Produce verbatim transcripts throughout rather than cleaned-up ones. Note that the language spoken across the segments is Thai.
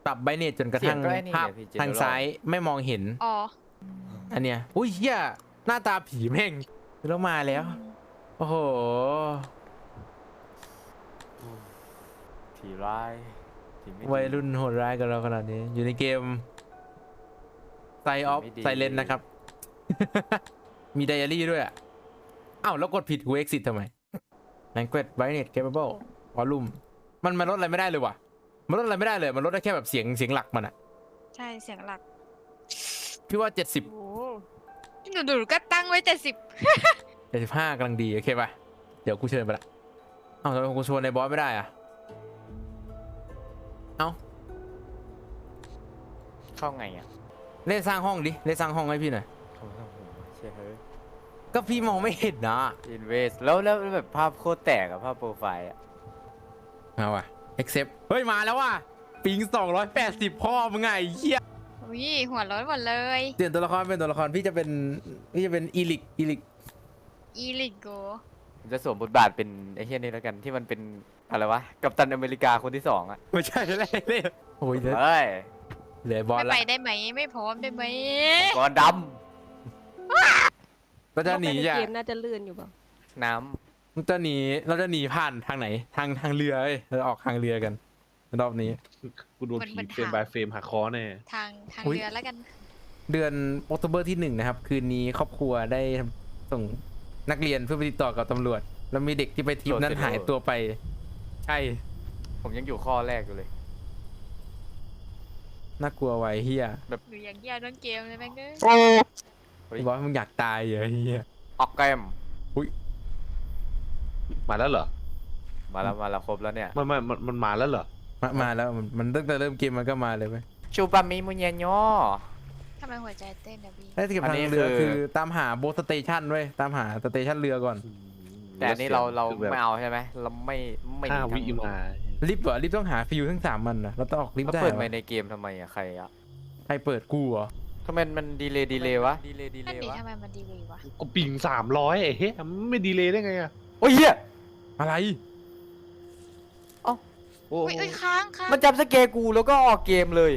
ปรับไบเนตจนกระทั่งภาพทางซ้ายไม่มองเห็นอ๋ออันเนี้ยอุ้ยเฮียหน้าตาผีแม่งแล้วมาแล้วโอ้โหผีร้ายผีไม่ดีวัยรุ่นโหดร้ายกับเราขนาดนี้อยู่ในเกมไซออฟไม่ดีไซเลนนะครับ มีไดอารี่ด้วยอ่ะอ้าวแล้วกดผิดกู exit ทำไม language brightness capable volume มันมันลดอะไรไม่ได้เลยว่ะมันลดอะไรไม่ได้เลยมันลดได้แค่แบบเสียงเสียงหลักมันอ่ะใช่เสียงหลักพี่ว่าเจ็ดสิบโอ้หนูดูก็ตั้งไว้เจ็ดสิบเจ็ดสิบห้ากำลังดีโอเคป่ะเดี๋ยวกูเชิญไปละเอ้าทำไมกูชวนในบอสไม่ได้อ่ะเอ้าเข้าไงอ่ะเล่นสร้างห้องดิเล่นสร้างห้องให้พี่หน่อยเข้าไม่ต้องหัวเชื่อเฮ้ยก็พี่มองไม่เห็นนะอินเวสแล้วแล้วแบบภาพโคตรแตกอะภาพโปรไฟล์อะเอาว่ะ accept เฮ้ยมาแล้วว่ะปิงสองร้อยแปดสิบพ่อมึงไงไอ้เหี้ยอุ้ยหัวร้อนหมดเลยเปลี่ยนตัวละครเป็นตัวละครพี่จะเป็นพี่จะเป็นอีลิกอีลิกอีลิโกผมจะสวมบทบาทเป็นไอ้เฮียนี่แล้วกันที่มันเป็นอะไรวะกัปตันอเมริกาคนที่สองอะไม่ใช่เลยเลยโอ้ยเหลือเฮ้ยเหลือบอลไม่ละไปได้ไหมไม่พร้อมได้ไหมก่อนดเราจะหนีเข้าไปจ้ะใเกมน่าจะลื่นอยู่เปล่าำน้เราจะหนีเราจะหนีผ่านทางไหนทางทางเรือเอ้ยเราออกทางเรือกันรอบนี้กูโดนผีเฟรมบายเฟรมหักคอแน่ทางทางอุ๊ยเรือแล้วกันเดือนออกโทเบอร์ที่หนึ่งนะครับ คืนนี้ครอบครัวได้ส่งนักเรียนเพื่อไปติดต่อกับตำรวจ แล้วมีเด็กที่ไปทริปนั้นหายตัวไป ใช่ำผมยังอยู่ข้อแรกอยู่เลยน่ากลัวไว้เฮียหนูอยากแย่ต้นเกมเลยแม่งเอ้ยเฮ้ยบอกว่ามึงอยากตายเหรอเฮียออกแกรมมาแล้วเหรอมาแล้วมาแล้วครบแล้วเนี่ยมันมันมันมันมาแล้วเหรอมามาแล้วมันมันตั้งแต่เริ่มเกมมันก็มาเลยไหมชูปามิมุญญโยทำไมหัวใจเต้นอะพี่ได้เก็บอันทานี้งเรือคือคือตามหาโบสเตชันเว้ยตามหาสเตชันเรือก่อนแต่อันนี้เราเราคือแบบไม่เอาใช่ไหมเราไม่ไม่หห้านีวิทางมาลิฟต์เหรอลิฟต์ต้องหาฟิวทั้งสามมันนะเราต้องออกลิฟแล้วต์ได้เปิดเหรไปอในเกมทำไมอะใครอะใครเปิดกูเหรอทำไมมันดีเลย์ดีเลย์วะดีเลย์ดีเลนั่นย์ดิวะทำไมมันดีเลยวะก็ปิงสามร้อยไอ้เฮ้ยมันไม่ดีเลยได้ไงอะโอ้ยเหี้ยอะไรโอ้อุ้ยอุ้ยค้างค้างมันจำสเกกูแล้วก็ออกเกมเลย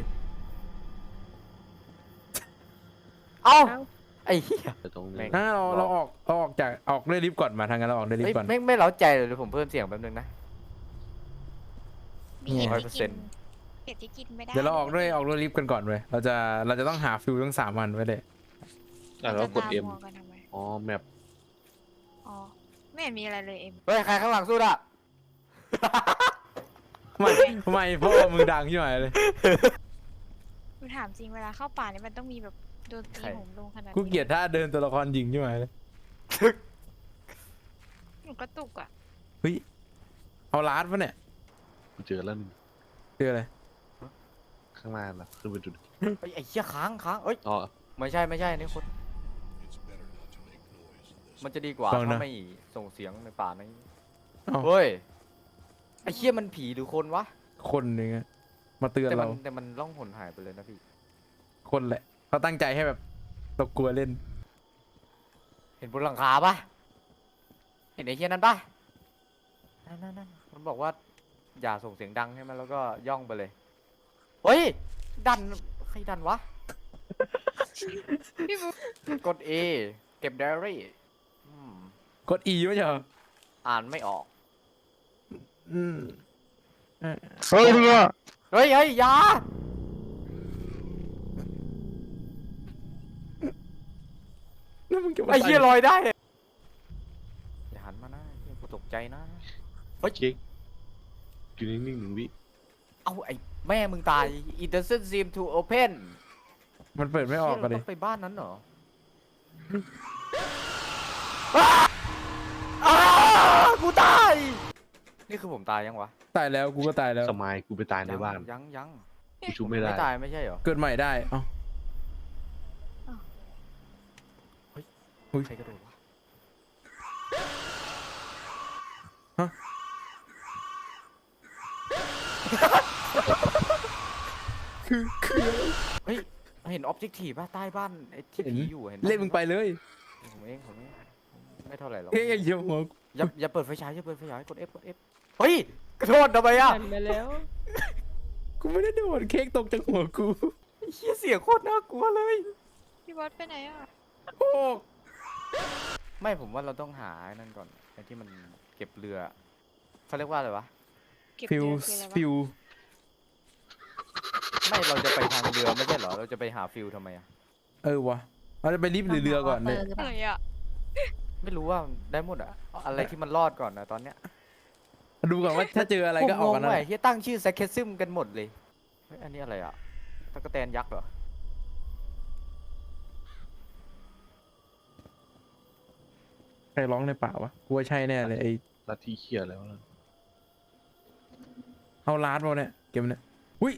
เอ้าเอ้าไอ้เหี้ยแต่ตรงแม่นี้งงั้นเราเราออกเราออกจากออกด้วยลิฟต์ก่อนมาทางนั้นเราออกด้วยลิฟเฮ้ยต์ก่อนไม่ไม่เล้าใจเลยเดี๋ยวผมเพิ่มเสียงแป๊บนึงนะมีเห็ดที่กินร้อยเปอร์เซ็นต์เห็ดที่กินไม่ได้เดี๋ยวเราออกด้วยออกด้วยลิฟต์กันก่อนเว้ยเราจะเราจะต้องหาฟิวทั้งสามวันไว้เลยอ่ะแล้วกดเอ็มจะตากันทำไมอ๋อแมปอ๋อไม่เห็นมีอะไรเลยเอ็มเฮ้ย ใครข้างหลังสู้อ่ะไม่ไม่เพราะว่ามึงดังใช่ไหมเลยหนูถามจริงเวลาเข้าป่านี่มันต้องมีแบบโดนตีผมลงขนาดนี้กูเกลียดท่าเดินตัวละครหญิงใช่ไหมเลยหนูกระตุกอ่ะเฮ้ยเอาลาดปะเนี่ยกูเจอแล้วหนึงคืออะไรข้างล่างล่ะขึ้นไปดูดิเฮ้ย ไอ้เหี้ยค้างค้างเอ้ยอ๋อไม่ใช่ไม่ใช่อันนี่คน มันจะดีกว่าลองนะถ้าไม่ส่งเสียงในป่านี้เอ้าเฮ้ย ไอ้เหี้ยมันผีหรือคนวะคนหนึ่งอะมาเตือนแต่มัเรานแต่มันล่องหนหายไปเลยนะพี่คนแหละเขาตั้งใจให้แบบตกกลัวเล่นเห็นบนหลังคาปะเห็นไอ้เหี้ยนั้นปะนั่นนั่นนั่นมันบอกว่า อย่าส่งเสียงดังใช่ไหมแล้วก็ย่องไปเลย เฮ้ย ดัน ใครดันวะพี่บุ๊คกด A เก็บไดอารี่อืมกด E ไม่ใช่เหรออ่านไม่ออกอืมเอ่อเฮ้ยเนี่ยเฮ้ยเฮ้ยอยาแล้วมึงจะมาไอ้เหี้ยใส่ลอยได้ อย่าหันมานะเหี้ยกูตกใจนะเฮ้ยเจ๊กอยู่นิ่งๆหนึ่งวิเอาไอ้แม่มึงตาย it doesn't seem to open มันเปิดไม่ออกเหี้ยกันเราดิต้องไปบ้านนั้นเหรออ้าอ้ากูตาย นี่คือผมตายยังวะตายแล้วกูก็ตายแล้วสมายกูไปตายในบ้านยังยังกูชูไม่ได้ไม่ตายไม่ใช่เหรอเกิดใหม่ได้เอ้า อุ๊ยใครกระโดดวะคือคือเฮ้ยเห็นออบเจกตีป่ะใต้บ้านไอ้ที่เห็นผีอยู่เห็นปะเล่นมึงไปเลยผมเองผมเองไม่เท่าไหร่หรอกเฮ้ยอย่าหัวกูอย่าอย่าเปิดไฟฉายอย่าเปิดไฟฉายกด F กด F เฮ้ยกระโดดทำไมอ่ะหันมาแล้วกูไม่ได้โดนเค้กตกจากหัวกูไอ้เหี้ยเสียงโคตรน่ากลัวเลยพี่บอสไปไหนอ่ะโอ้ไม่ผมว่าเราต้องหาไอ้นั่นก่อนไอ้ที่มันเก็บเรือเขาเรียกว่าอะไรวะเก็บฟิวเรือคืออะไรวะฟิวไม่เราจะไปทางเรือไม่ใช่เหรอเราจะไปหาฟิลทำไมอะเออวะเราจะไปรีบหรือเรือก่อนเลยหรือเปอะล่าไรอ่ะไม่รู้ว่าได้หมดอะอะไรที่มันรอดก่อนนะตอนเนี้ยดูก่อนว่าถ้าเจออะไรก็ออกกันผมงนะงว่ะที่ตั้งชื่อแซคเคซึมกันหมดเลยเฮ้ยอันนี้อะไรอะตะกแตนยักษ์เหรอใครร้องในป่าวะกูว่าใช่แน่เลยไอ้ลัทธิเขียแล้วนะเอาลาดมาเนี่ยเก็บเนี่ยอุ้ย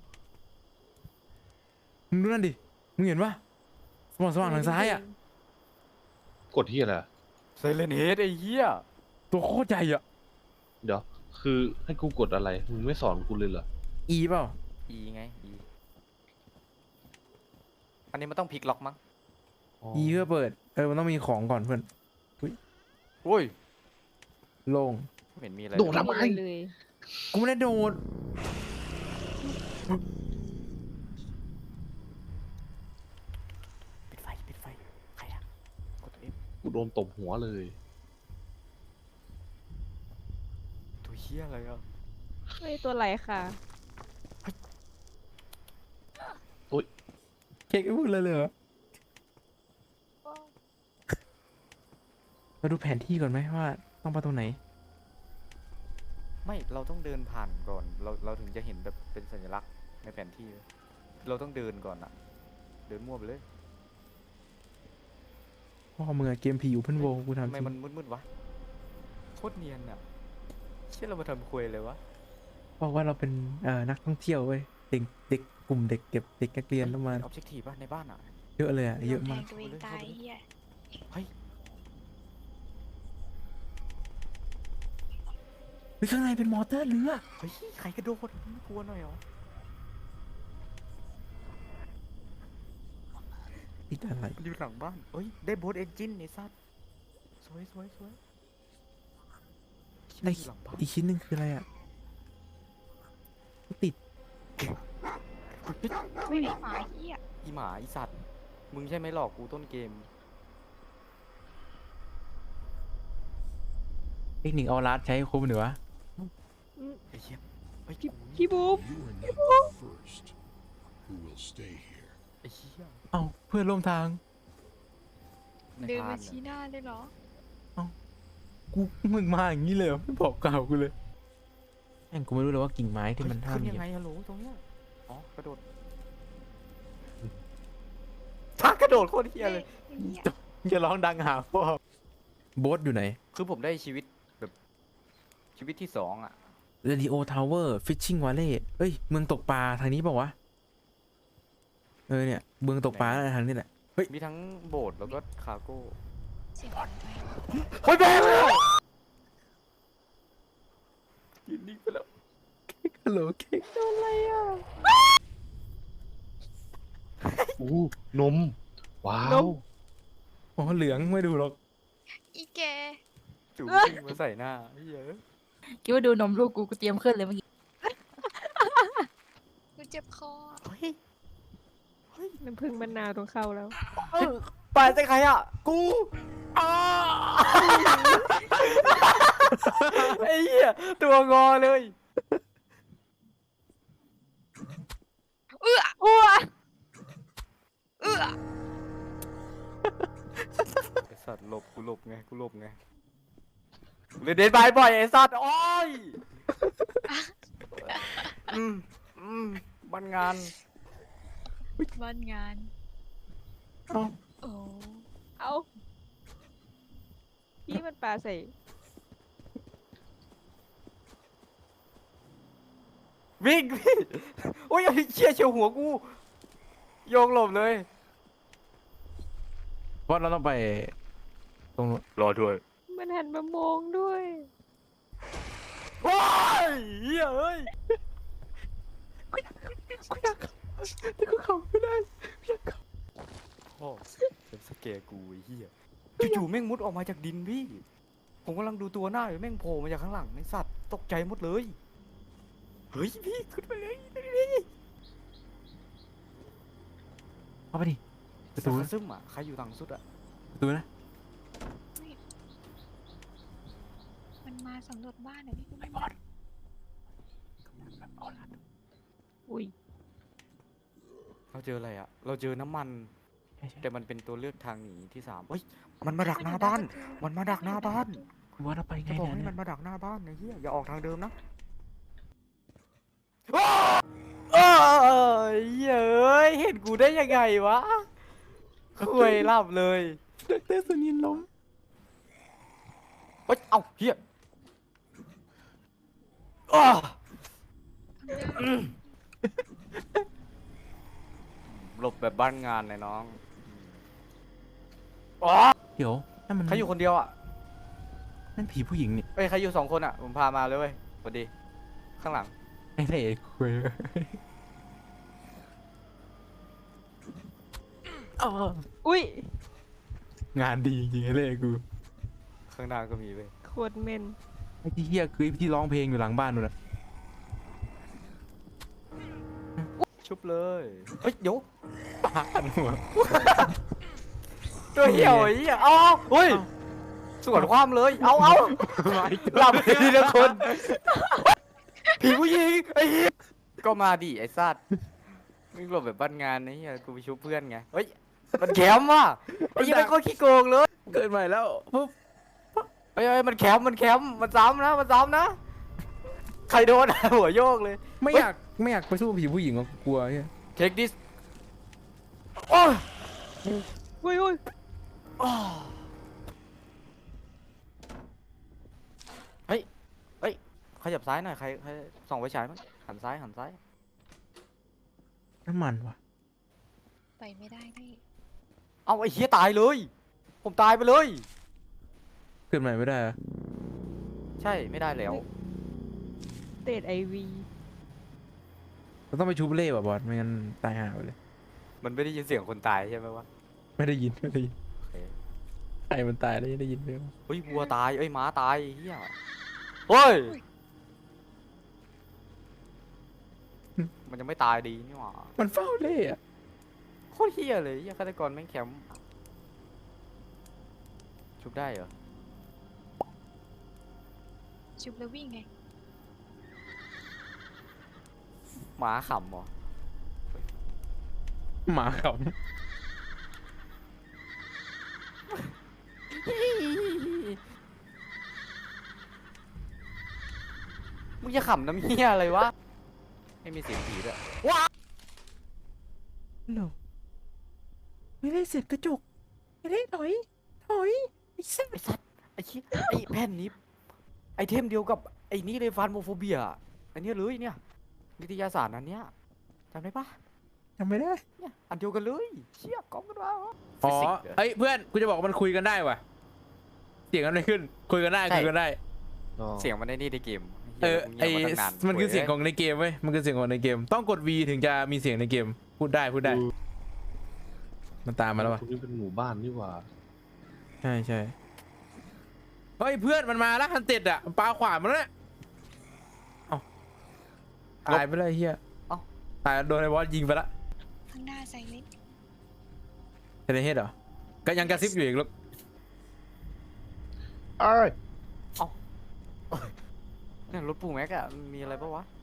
มึงดูนั่นดิมึงเห็นปะสว่างสว่างทางซ้ายอ่ะกดที่อะไรอะไซเลนเฮดไอ้เหี้ยตัวโคตรใหญ่อ่ะเดี๋ยว คือให้กูกดอะไร มึงไม่สอนกูเลยเหรออีเปล่าอีไงอีอันนี้มันต้องพลิกล็อกมั้งอีเพื่อเปิดเออมันต้องมีของก่อนเพื่อนโอ้ยโล่งไม่เห็นมีอะไรโดดทำไมเลยกูไม่ได้โดดปิดไฟปิดไฟใครอะกดตัวเอฟกูโดนตบหัวเลยตัวเหี้ยอะไรอะไม่ตัวไรค่ะเค้กไม่พูดเลยเลยเหรอเราดูแผนที่ก่อนไหมว่าต้องไปตรงไหนไม่เราต้องเดินผ่านก่อน เราเราถึงจะเห็นแบบเป็นสัญลักษณ์ในแผนที่เลยเราต้องเดินก่อนอะเดินมั่วไปเลยพ่อมึงอะเกมผีอยู่เพื่อนโวกูทำทำจไมริงมันมืดๆวะโคตรเนียนอะเชื่อเรามาทำคุยเลยวะบอกว่าเราเป็นเอ่อนักท่องเที่ยวเว้ยเด็กเด็กกลุ่มเด็กเก็บเด็กนักเรียนประมาณออบเจกตีป่ะในบ้านอะเยอะเลยอะเยอะแทมากงตัวเองตายเฮียเฮ้ยเฮ้ยข้างในเป็นมอเตอร์เรือเฮ้ยใครกระโดดไม่กลัวหน่อยเหรอติดอะไรมันอยู่หลังบ้านเฮ้ยได้โบสเอนจินไอ้สัสสวยสวยสวยได้อยู่หลังบ้านอีกชิ้นหนึ่งคืออะไรอะติดไม่ได้หมาเฮียอีหมาอีสัตว์มึงใช่ไหมหลอกกูต้นเกมเทคนิคเอาลาดใช้คุ้มหรือวะไอ้เหี้ยไอ้ยพี่บุ๊บ You are not the first who will stay here. ไอ้เหี้ยเอ้าเพื่อนร่วมทางในเดินพามาน่ะชี้หน้าเลยเหรอกูมึงมาอย่างนี้เลยเหรอไม่บอกกล่าวกูเลยแม่งกูไม่รู้เลยว่ากิ่งไม้ที่มันเฮ้ยห้ามขึ้นเหยัยียงบไงฮัลโหลตรงเนี้ยอ๋อกระโดดทักกระโดดโคตรเฮียเลยไอ้เหี้ยอย่าร้องดังหาพ่อโบ๊ทอยู่ไหนคือผมได้ชีวิตแบบชีวิตที่สองอ่ะเรดิโอทาวเวอร์ฟิชชิ่งวาเล่เอ้ยเมืองตกปลาทางนี้เปล่าวะเออเนี่ยเมืองตกปลาน่าจะทางนี้แหละมีทั้งโบสถ์แล้วก็คาร์โก้เสียงอะไรเฮ้ยแบงเลยยืนนิ่งไปแล้วฮัลโหลเค้กอู้นม ว้าวอ๋อเหลืองไม่ดูหรอกอีแกจู่วิ่งมาใส่หน้าเฮ้ยเอ้ยคิดว่าดูนมลูกกูกูเตรียมขึ้นเลยเมื่อกี้กูเจ็บคอเฮ้ยน้ำผึ้งมะนาวตรงเข้าแล้วเออปลายใส่ใครอ่ะ กูอ้าไอ้เหี้ยตัวงอเลยเอื้ออ้วเอื้อไอ้สัตว์หลบกูหลบไงกูหลบไงเล่นเดนบายบ่อยไอ้สัตว์โอ้ยอืมอืมบ้านงานบ้านงานเอ้าโอ้เอาพี่มันปลาใส่วิ่งพี่โอ้ยไอ้เชี่ยเฉียวหัวกูโยงหลบเลยเพราะเราต้องไปตรงนู้นรอด้วยมันหันมามองด้วยว้ายเหี้ยเอ้ยแต่กูเข้าไม่ได้พ่อเป็นสเกกูไอ้เหี้ยจู่ๆแม่งมุดออกมาจากดินพี่ ผมกำลังดูตัวหน้าอยู่แม่งโผล่มาจากข้างหลังในสัตว์ตกใจหมดเลย เฮ้ยพี่ขึ้นไปเลยเข้าไปดิประตูตูนะซึมอ่ะใครอยู่ต่างสุดอ่ะประตูนะมันมาสำรวจบ้านเหรอพี่ไอ้บอสอุ้ยเราเจออะไรอ่ะเราเจอน้ำมันใช่ใช่แต่มันเป็นตัวเลือกทางหนีที่สามเฮ้ยมันมาดักหน้าบ้านมันมาดักหน้าบ้านคุณบอสเราไปไงจะบอกให้เนี่ยมันมาดักหน้าบ้านไอ้เหี้ยอย่าออกทางเดิมนะว้าวเอ้ยเย้ยเห็นกูได้ยังไงวะคุยหลับเลยดอกเตอรสุนินล้มเฮ้ย เอ้าเฮียอ้าอืมหลบแบบบ้านงานเลยน้องอ๋อเดี๋ยวนั่นมันใครอยู่คนเดียวอ่ะนั่นผีผู้หญิงนี่เอ้ยใครอยู่สองคนอ่ะ ผมพามาเลยเว้ยสวัสดี ข้างหลังไอ้เล่คุยอ๋ออุ้ยงานดีจริงๆไอ้เล่กูข้างหน้าก็มีเว้ยโคตรเมนไอ้ที่เฮียคือไอ้ที่ร้องเพลงอยู่หลังบ้านนู่นนะชุบเลย เฮ้ย เดี๋ยวปาดหัวตัวเหี่ยวไอ้เหี้ยเอาเอาเฮ้ย สวนความเลย เอาเอาหลับไปทีละคน ผีผู้หญิงไอ้เหี้ยก็มาดิไอ้สัตว์มึงหลบแบบบ้านงานไอ้เหี้ยกูไปชุบเพื่อนไง เฮ้ย มันแคมป์ว่ะไอ้เหี้ยเป็นคนขี้โกงเลยเกิดใหม่แล้วปุ๊บเฮ้ยเฮ้ยมันแคมป์มันแคมป์มันซ้ำนะ มันซ้ำนะ ใครโดน หัวโยกเลยไม่อยากไม่อยากไปสู้ผีผู้หญิงหรอกกลัวเฮีย Take this โอ้ยอุ้ยอุ้ยอ้าวเฮ้ย เฮ้ย ขยับซ้ายหน่อย ใครใครส่องไฟฉายมั้งหันซ้าย หันซ้ายน้ำมันวะไปไม่ได้พี่เอาไอ้เหี้ยตายเลย ผมตายไปเลยเกิดใหม่ไม่ได้อะใช่ ไม่ได้แล้วเตดไอวีเราต้องไปชูบเล่ว่ะบอสไม่งั้นตายห่าไปเลยมันไม่ได้ยินเสียงคนตายใช่ไหมวะไม่ได้ยินไม่ได้ยินโอเคใครมันตายแล้วยังได้ยินไหมวะเฮ้ยวัวตาย เอ้ยม้าตายไอ้เหี้ยเฮ้ย มันจะไม่ตายดีนี่หว่ามันเฝ้าเล่อะโคตรเหี้ยเลยเหี้ยฆาตกรแม่งแคมป์ชุบได้เหรอชุบแล้ววิ่งไงหมาขำเหรอหมาขมึงจะขำน้ำเหี้ยอะไรวะ ไม่มีเสียงผีด้วยว้าำเหรอไม่ได้เสร็จกระจกไม่ได้ถอยถอยไอ้สัสไอ้สัตว์ไอ้เหี้ยไอ้แผ่นนี้ ไอเทมเดียวกับไอ้นี่เลยฟานโมโฟเบียอันเนี้ยเลยเนี่ยวิทยาศาสตร์อันเนี้ยจำได้ปะจำไม่ได้เนี่ยอันเดียวกันเลยเชี่ยกล้องกันวะอ๋อฟิสิกส์เหรอเอ้ยเพื่อนกูจะบอกว่ามันคุยกันได้ว่ะเสียงอะไรขึ้นคุยกันได้ใช่คุยกันได้เสียงมันได้นี่ในเกมเออไอหี้ยงียบาตั้งามันคือเสียงโของในเกมเว้ยมันคือเสียงของในเกม ต้องกด V ถึงจะมีเสียงในเกมพูดได้พูดได้ มันตามมาแล้ววะตรงนี้เป็นหมู่บ้านนี่หว่าใช่ใช่เฮ้ยเพื่อนมันมาแล้วฮันเต็ดอ่ะมันปาขวานมาแล้วเนี่ยเอ้าตายไปเลยเฮียเอ้าตายโดนไอ้บอสยิงไปละข้างหน้าไซเลนเทเลเฮดเหรอก็ยังกระซิบอยู่อีกลูกเอ้ยเนี่ยรถปูแม็กอะมันมีอะไรปะวะ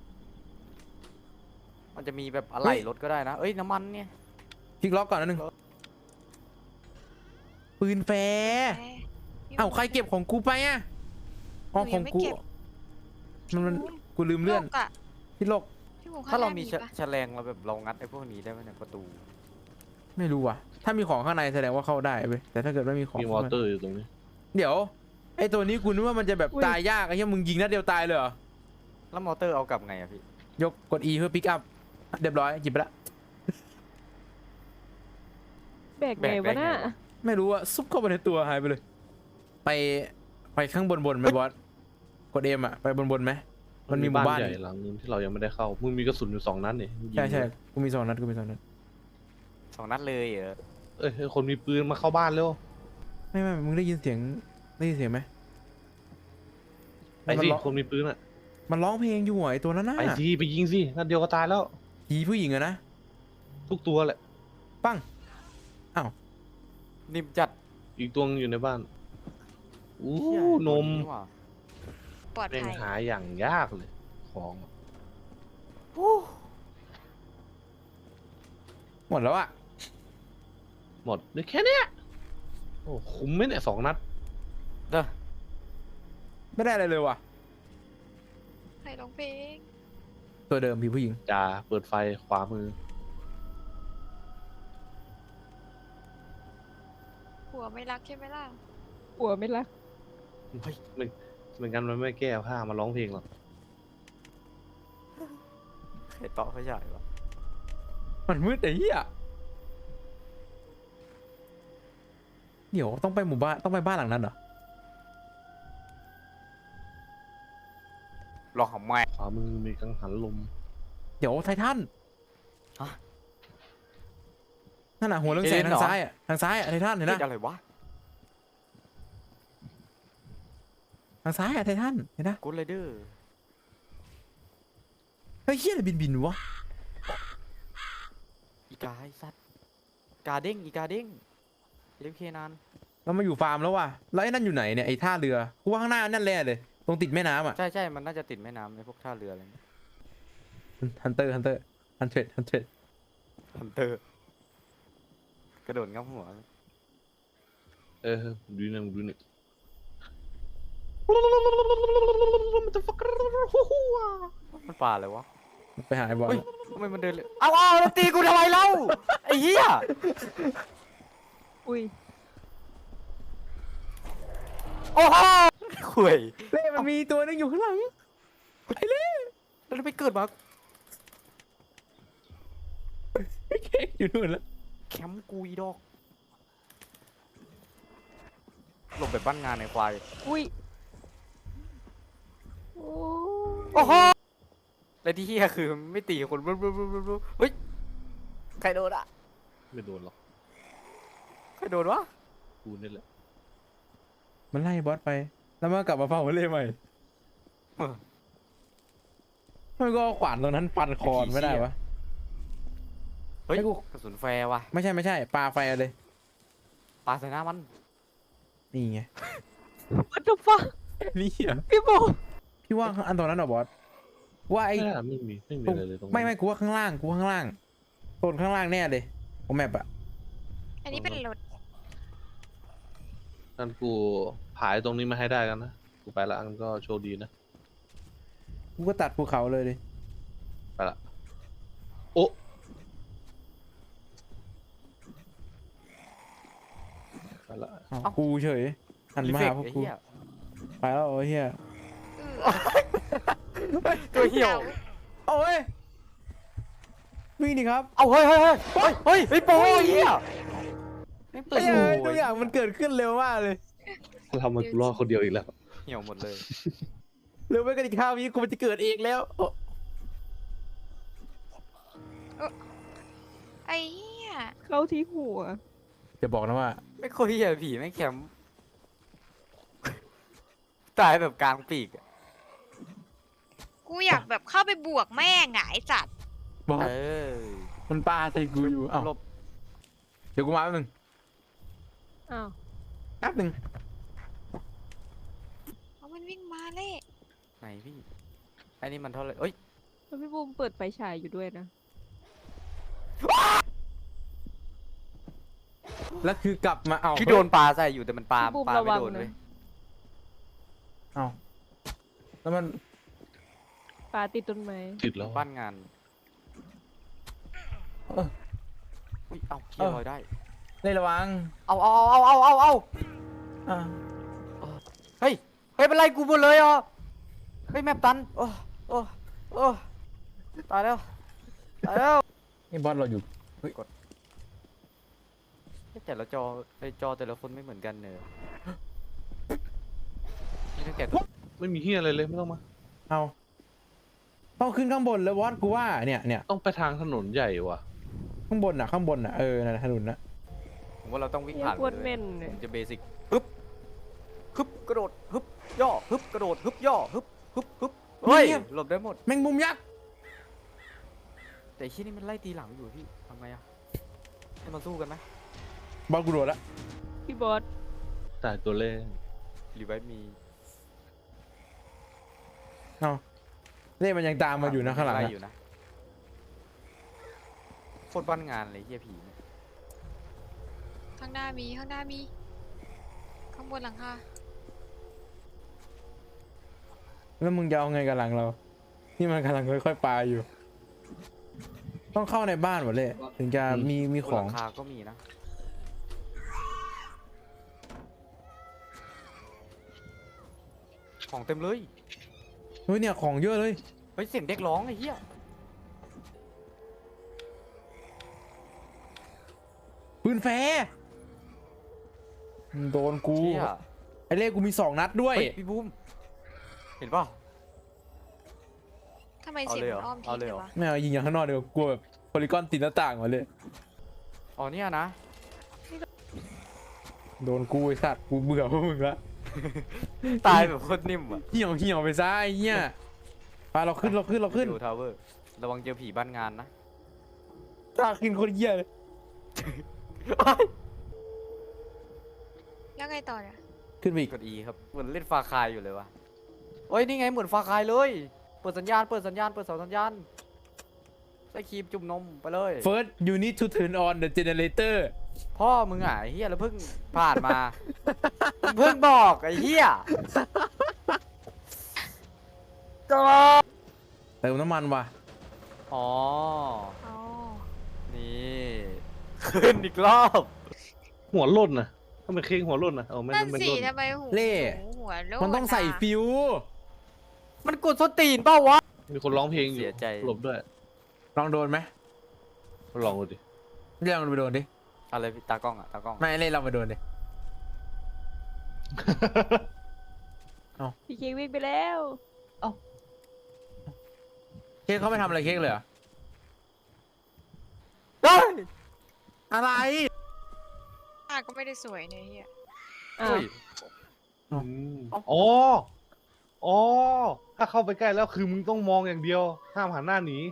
มันจะมีแบบอะไรรถก็ได้นะ เอ้ยน้ำมันเนี่ยคลิกล็อกก่อนนะหนึ่งปืนแฟร์เอ้าใครเก็บของกูไปอ่ะอ๋อของกูมันมันกูลืมเลื่อนโลกอะพี่โลกพี่หมูข้ถ้างหเราน้มีมีแฉปะแฉลงเราแบบเรางัดไอ้พวกนี้ได้ไหมเนี่ยประตูไม่รู้ว่ะถ้ามีของข้างในแสดงว่าเข้าได้เว้ยแต่ถ้าเกิดไม่มีของมีมอเตอร์อยู่ตรงนี้เดี๋ยวไอตัวนี้กูนึกว่ามันจะแบบอุ๊ยตายยากไอ้เหี้ยมึงยิงนัดเดียวตายเลยเหรอแล้วมอเตอร์เอากลับไงอะพี่ยกกด E เพื่อปิกอัพเรียบร้อยหยิบไปละแบกไงวะน่ะไม่รู้อะซุปเข้าไปในตัวหายไปเลย ไปไปข้างบนบนไหมบอสกดเอ็มอะไปบนบนไหมมันมีหมู่บ้านใหญ่หลังนึงที่เรายังไม่ได้เข้า มึงมีกระสุนอยู่สองนัดนี่ยิงใช่ใช่กูมีสองนัดกูมีสองนัดสองนัดเลยเหรอเอ้ยเฮ้ยคนมีปืนมาเข้าบ้านเร็วไม่ไม่มึงได้ยินเสียงได้ยินเสียงไหมไปมันสิร้องคนมีปืนอ่ะมันร้องเพลงอยู่อะไอตัวนั้นน่ะไปสิไปยิงสินัดเดียวก็ตายแล้วผีผู้หญิงอะนะทุกตัวแหละปังนิ่มจัดอีกตัวนึงอยู่ในบ้านอู้เหี้ยนมว่ะปลอดแม่งภัยหาอย่างยากเลย ของหมดแล้วอะหมดได้แค่เนี้ยโอ้คุ้มไหมเนี่ยสองนัดเด้อไม่ได้อะไรเลยว่ะใครร้องเพลงตัวเดิมพี่ผู้หญิงจ่าเปิดไฟขวามือผัวไม่รักใช่ไหมล่ะหัวไม่รักเฮ้ยไม่เหมือนกันมันไม่แก้ผ้ามาร้องเพลงหรอกใครเตาะเขาใหญ่วะมันมืดไอ้เหี้ยเดี๋ยวต้องไปหมู่บ้านต้องไปบ้านหลังนั้นเหรอลองของแม่ขวามือมีกังหันลมเดี๋ยวไททันฮะนั่นน่ะหัวเรื่องแสงเอ็นทาเหรองซ้ายอ่ะทางซ้ายอ่ะไททันเห็นเฮ้นะยอะไรวะทางซ้ายอ่ะไททันเห็นนะกูเลยเด้อเฮ้ยเหี้ยอะไรบินบินๆวะอีกาไอ้สัตว์กาเด้งอีกาเด้งเลี้ยงเคนานเรามาอยู่ฟาร์มแล้วว่ะแล้วไอ้นั่นอยู่ไหนเนี่ยไอ้ท่าเรือกูว่าข้างหน้านั่นแหละเลยตรงติดแม่น้ำอ่ะใช่ใช่มันน่าจะติดแม่น้ำในพวกท่าเรืออะไรเงี้ยฮันเตอร์ฮันเตอร์ฮันเทรดฮันเทรดฮันเตอร์กระโดดงับหัวเออดูนี่ดูนี่มันป่าเลยวะไปหาไอ้บอลเฮ้ยทำไมมันเดินเลยเอาเอาแล้วตีกูทำไมเล่าไอ้เหี้ยอุ้ยโอ้โหข่วยเล่มันมีตัวนึงอยู่ข้างหลังไอ้เล่แล้วไปเกิดมาไอ้เค้กอยู่นู่นแล้วแคมป์กูอีดอกหลบแบบบ้านงานในควายอุ้ยโอ้โอ้โหและที่เฮียคือไม่ตีคนรู้รู้รู้รู้รู้เฮ้ยใครโดนอ่ะไม่โดนหรอกใครโดนวะกูนี่แหละมันไล่บอสไปแล้วมันกลับมาเฝ้าเล่ใหม่มันก็เอาขวานตรงนั้นฟันคอนไม่ได้วะเฮ้ยให้กูกระสุนแฟร์ว่ะไม่ใช่ไม่ใช่ปลาไฟเอาเลยปาใส่หน้ามันนี่ไงวัตถุฟังนี่เหรอพี่โบพี่ว่าอันตรงนั้นเหรอบอสว่าไอ้ไม่น่าไม่มีไม่มีอะไรเลยตรงนั้นไม่ไม่กูว่าข้างล่างกูว่าข้างล่างโซนข้างล่างแน่เลยของแมปอะอันนี้เป็นรถนั่นกูผายตรงนี้มาให้ได้กันนะกูไปละอันก็โชคดีนะกูก็ตัดภูเขาเลยดิไปละโอ้ไปละอ้าวกูเฉยหันรีมาเฟกหาพวกไอ้กูเหี้ยไปแล้วโอ้ยเฮียเออตัวเหี่ยวโอ้ยวิ่งดิครับเอาเฮ้ยเฮ้ยเฮ้ยเฮ้ยเฮ้ยเฮ้ยโป้ไอ้เหี้ยไม่เปิดเอ้ยโอ้ทุกอย่างมันเกิดขึ้นเร็วมากเลยทำมันกูรอดคนเดียวอีกแล้วเหี่ยวหมดเลยเร็วไปกันอีกข้าวนี้กูมันจะเกิดเองแล้วโอ้ไอ้เหี้ยเข้าที่หัวจะบอกนะว่าไม่ค่อยเหี้ยผีไม่แคมป์ตายแบบกลางปีกอะกูอยากแบบเข้าไปบวกแม่งอะไอ้สัตว์บอสเออมันปลาใส่กูอยู่อ้าวหลบเดี๋ยวกูมาแป๊บนึงอ้าวแป๊บนึงเอามันวิ่งมาเล่ไหนพี่ไอ้นี่มันเท่าไหร่เอ้ยแล้วพี่บูมเปิดไฟฉายอยู่ด้วยนะแล้วคือกลับมาเอาที่โดนปลาใส่อยู่แต่มันปลาพี่บูมปลาระไม่วังโดนนะเลยเอาแล้วมันปลาติดต้นไม้ติดแล้วบ้านงานเอออุ้ยเอ้าเคียร์ลอยได้เล่นระวังเอาเอาเอาเอาเอาเอาอ่าเฮ้ยเฮ้ยเป็นไรกูหมดเลยอ่ะเฮ้ยแมปตันโอ้โอ้โอ้ตายแล้วตายแล้วนี่บอสเราอยู่เฮ้ยแต่ละจอไอจอแต่ละคนไม่เหมือนกันเนอะนี่ตั้งแต่ไม่มีเฮียอะไรเลยไม่ต้องมาเอาต้องขึ้นข้างบนแล้วบอสกูว่าเนี่ยเนี่ยต้องไปทางถนนใหญ่ว่ะข้างบนน่ะข้างบนน่ะเออนั่นนะถนนน่ะผมว่าเราต้องวิ่งเนี่ยผ่านโคตรเลยเม่นเลยผมจะเบสิกฮึบฮึบกระโดดฮึบย่อฮึบกระโดดฮึบย่อฮึบฮึบฮึบเฮ้ยหลบได้หมดแมงมุมยักษ์แต่ที่นี่มันไล่ตีหลังอยู่พี่ทำไงอะให้มาสู้กันไหมบอสกูโดดละพี่บอสตายตัวเล่นรีไวท์มีเอ้าเล่มันยังตามมาอยู่นะข้างหลังไล่อะอยู่นะโคตรบ้านงานเลยเฮียผีเนี่ยข้างหน้ามีข้างหน้ามี ข้างบนหลังคาแล้วมึงจะเอาไงกับหลังเรา นี่มันกำลังค่อยๆปลาอยู่ ต้องเข้าในบ้านหมดเลย ถึงจะมีมีบขนองหลังคาก็มีนะของเต็มเลยเฮ้ยเนี่ยของเยอะเลยเฮ้ยเสียงเด็กร้องไอ้เหี้ยปืนแฟร์โดนกูเหี้ยไอเล่กูมีสองนัดด้วยเฮ้ยพี่บูมเห็นป่ะทำไมเอาเสียงเลยเหรมันออ้อมเอาทิศเลยเลเหรอยวะไม่เอายิงอย่างข้างนอกเดี๋ยวกลัวแบบโพลีกอนติดหน้าต่างมาเลยอ๋อเนี่ยนะโดนกูไอสัตว์กูเบื่อพวกมึงละตายแบบโคตรนิ่มอ่ะเหี่ยวเหี่ยวไปซะไอ้เหี้ยไปเราขึ้นเราขึ้นเราขึ้นดูทาวเวอร์ระวังเจอผีบ้านงานนะตาขึ้นคนเหี้ยเลยแล้วไงต่อเนี่ยขึ้นไปอีกกด E ครับเหมือนเล่นฟาคายอยู่เลยวะโอ้ยนี่ไงเหมือนฟาคายเลย เปิดสัญญาณเปิดสัญญาณเปิดเสาสัญญาณใส่ครีมจุ่มนมไปเลย First you need to turn on the generator พ่อมึงอ่ะไอ้เฮียแล้วเพิ่งผ่านมา เพิ่งบอกไอ้เฮียเติมน้ำมันว่ะอ๋ออ๋อนี่ขึ้นอีกรอบหัวหล่นนะทำไมเค้งหัวหล่นนะเอาไม่นั่นไม่สิหล่นทำไมหูเล่หูหัวโลมันต้องใส่ะฟิวมันกดสนตีนเปล่าวะมีคนร้องเพลงอยู่เสียใจหลบด้วยลองโดนไหมลองดูดิเรียกมันไปโดนดิอะไรพี่ตากล้องอ่ะตากล้องไม่เล่นเราไปโดนดิพี่เค้กวิ่งไปแล้วเค้กเขาไม่ทำอะไรเค้กเลยเหรอเฮ้ยอะไรอ่ะก็ไม่ได้สวยเนี่ยเฮียอ้าวเฮ้ยอืมอ๋อ อ๋อ ถ้าเข้าไปใกล้แล้วคือมึงต้องมองอย่างเดียว ห้ามหันหน้าหนี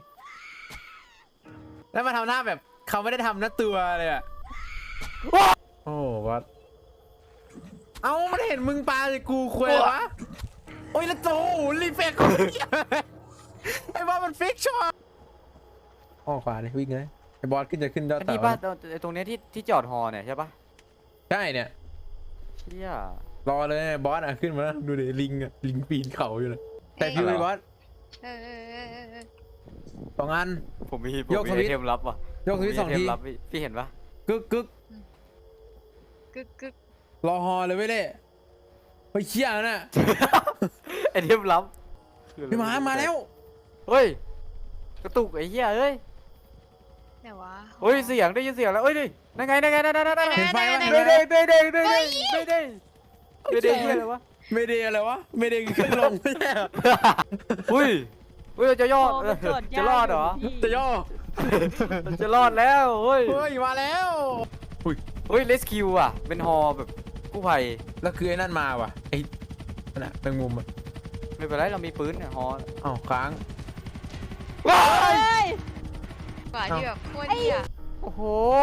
แล้วมาทำหน้าแบบเขาไม่ได้ทำหน้าตัวเลยอะโอ้วัดเอ้ามันเห็นมึงปาเลยกูคุยวะโอ้ยแล้วโจรีเฟกไอ้บอสมันฟิกช็อตอ้อขวาเลยวิ่งเลยไอ้บอสขึ้นจะขึ้นยอดอันเต่านี้ป่ะตรงตรงเนี้ยที่ที่จอดฮอเนี่ยใช่ป่ะใช่เนี่ยเชี่ยรอเลยบอสอ่ะขึ้นมาแล้วดูดิลิงอ่ะลิงปีนเขาอยู่เลยแต่ฟิวไอ้บอสเออเออเออเออเออสองอันผมมีผมยกมีสไอวิตช์เทมลับว่ะยกสวิตช์สองผมมีไเททีมลับพี่พี่เห็นปะกึกกึกกึกกึกรอฮอเลยเว้ยเล่เฮ้ยเชี่ยน่ะไอเทมลับพี่หมามาแล้วเฮ้ยกระตุกไอ้เหี้ยเอ้ยไหนวะเฮ้ยเสียงได้ยินเสียงแล้วเอ้ยดินั่นไงนั่นไงนั่นไงนั่นไงเห็นไฟไหมเด้เด้เด้เด้เด้เด้เด้เด้เด้เด้เหี้ยอะไรวะไม่ได้อะไรวะไม่ได้ขึ้นลงไม่ใช่เหรออุ้ยอุ้ยเราจะยอดพมันจอดจะรอดเหรอพี่จะย่อเราจะรอดแล้วเฮ้ยเฮ้ยมาแล้วอุ้ยเฮ้ยเลสคิวอ่ะเป็นฮอแบบกู้ภัยแล้วคือไอ้นั่นมาว่ะไอ้นั่นน่ะแมงมุมอ่ะไม่เป็นไรเรามีปืนเนี่ยฮออ้าวค้างว้าเฮ้ยยกว่าที่แบบโคตรเฮียโอ้โห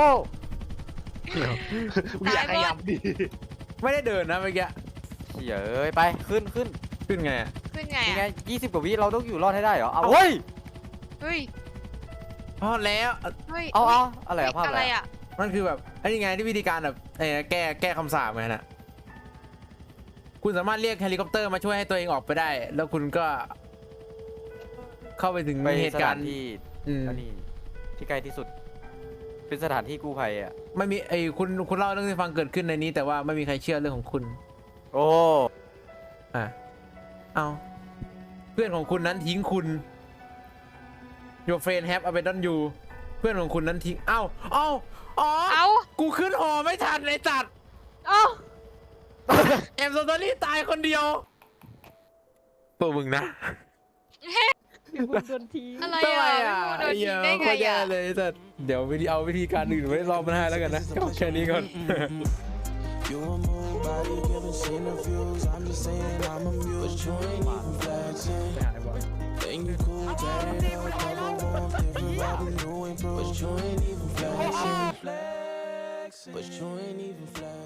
อยากขยับดิไม่ได้เดินนะเมื่อกี้เหี้ยเอ้ยไปขึ้นขึ้นขึ้นไงอะขึ้นไงยังไงอ่ะยี่สิบกว่าวิเราต้องอยู่รอดให้ได้เหรอเอาเฮ้ยเฮ้ยพอแล้วเฮ้ยเอาเอาฮ้ยอะไรอะภาพอะอะไร ไรอะอ่ะมันคือแบบไอ้นี่ไงที่วิธีการแบบเออแก้แก้คำสาปไงน่ะคุณสามารถเรียกเฮลิคอปเตอร์มาช่วยให้ตัวเองออกไปได้ แล้วคุณก็ เข้าไปถึงไปเหสตุกาถาร นณ์ที่อืมอันนี้ที่ใกล้ที่สุด เป็นสถานที่กู้ภัยอ่ะไม่มีไอ้คุณคุณเล่าเรื่องที่ฟังเกิดขึ้นในนี้ แต่ว่าไม่มีใครเชื่อเรื่องของคุณโอ้อ่ะเอาเพื่อนของคุณนั้นทิ้งคุณ Your friend have abandoned you เพื่อนของคุณนั้นทิ้งเอ้าเอ้าอ๋อเอ้ากูขึ้นหอไม่ทันไอ้จัดเอ้าเอ็มโซตอรี่ตายคนเดียวตัวมึงนะพี่บุญโดนทิ้งอะไรทำไมอ่ะอ่ะพี่โมโดนทิ้งได้ไงโคตรแย่อ่ะเลยแต่เดี๋ยววิธีเอาวิธีการอื่นไว้รอบหน้าแล้วกันนะก็แค่นี้ก่อน You a move, body giving seen the views. I'm just saying I'm amused, but you ain't even flexing. Think you cool, tatted up, cover warm, different Robin new improved, but you ain't even flexing. But you ain't even flexing.